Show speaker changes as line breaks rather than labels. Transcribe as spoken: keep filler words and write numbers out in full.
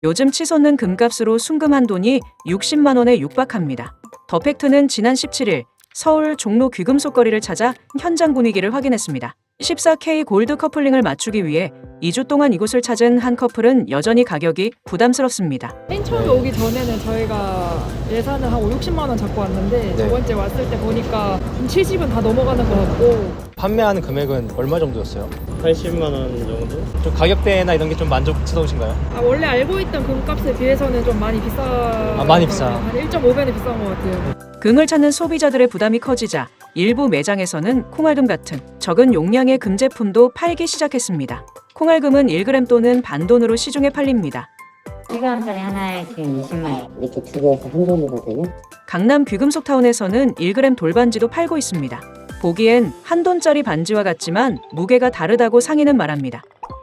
요즘 치솟는 금값으로 순금 한 돈이 육십만 원에 육박합니다. 더 팩트는 지난 십칠 일 서울 종로 귀금속거리를 찾아 현장 분위기를 확인했습니다. 십사 케이 골드 커플링을 맞추기 위해 이 주 동안 이곳을 찾은 한 커플은 여전히 가격이 부담스럽습니다.
맨 처음에 오기 전에는 저희가 예산을 한 오, 육십만 원 잡고 왔는데
네.
저번주에 왔을 때 보니까 칠십은 다 넘어가는 것 같고.
판매하는 금액은 얼마 정도였어요?
팔십만 원 정도?
좀 가격대나 이런 게 좀 만족스러우신가요?
아, 원래 알고 있던 금값에 비해서는 좀 많이 비싸.
아, 많이 비싸.
한 일 점 오 배는 비싼 것 같아요.
금을 찾는 소비자들의 부담이 커지자 일부 매장에서는 콩알금 같은 적은 용량의 금 제품도 팔기 시작했습니다. 콩알금은 일 그램 또는 반돈으로 시중에 팔립니다.
일 그램짜리 하나에 지금 이십만 원. 이렇게 두 개에서 한 돈이거든요.
강남 귀금속타운에서는 일 그램 돌반지도 팔고 있습니다. 보기엔 한 돈짜리 반지와 같지만 무게가 다르다고 상인은 말합니다.